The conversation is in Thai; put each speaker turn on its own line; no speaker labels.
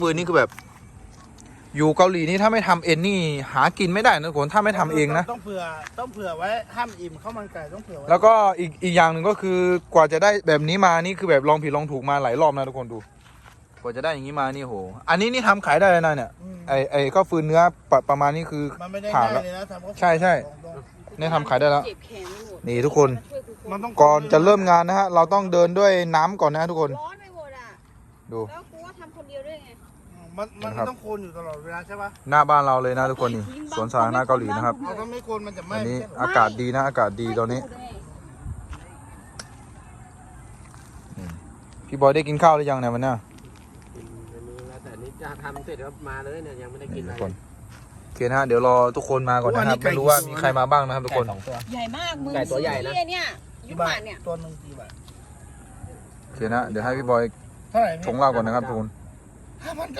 ปืนนี่คือแบบอยู่เกาหลีนี่ถ้าไม่ทำเอ็นนี่หากินไม่ได้นะทุกคนถ้าไม่ทำเองนะ
ต้องเผื่อไว้ห้ามอิ่มข้าวมันไก่ต้องเผื่อไว้
แล้วก็อีกอย่างหนึ่งก็คือกว่าจะได้แบบนี้มานี่คือแบบลองผิดลองถูกมาหลายรอบนะทุกคนดู กว่าจะได้อย่างนี้มานี่โหอันนี้นี่ทำขายได้เลยนะเนี่ยไอ้ข้าวฟืนเนื้อประมาณนี้คือ
มันไม่ได้
ผ่าน
ง่าย
แล้ว
เลยนะทำข้าว
ใช่ใช่ นี่ทำขายได้แล้ว
เจ็บแขนไม่หมด
นี่ทุกคน
มันต้อง
ก่อนจะเริ่มงานนะฮะเราต้องเดินด้วยน้ำก่อนนะทุกคน
ร้อนไปหมดอ่ะ
ดู
แล้วกูว่าทำคนเดียวด้วยไง
มันต้องโคนอยู่ตลอดเวลาใช่ปะ
หน้าบ้านเราเลยนะทุกคนนี่สวนสาธารณะเกาหลีนะครับ
เอาถ้าไม่โคนมันจะไหม้
วันนี้
ไม่ใช่เหรอ
อากาศดีนะอากาศดีตอนนี้ พี่บอยได้กินข้าวหรือยังเนี่ยวันเนี้ย
แต่นี่จะทำเสร็จแล้วมาเลยเนี่ยยังไม่ได้กิน
ทุ
อะ
ก
ไร
คนโอเคนะฮะเดี๋ยวรอทุกคนมาก่อนนะครับไม่รู้ว่ามีใครมาบ้างนะครับทุกคน
2 ตัว
ใหญ่มากมึง
ไก่ตัวใหญ่นะ
ซื้อเนี่ยยุ
กี่
ค
บา
บา
ท
ทเนี่ย
ตัวหนึ่งกี่บาท
โอเคนะเดี๋ยวให้พี่บอย
เท่าไหร่
ชงเหล้าก่อนนะครับทุกคน
5,000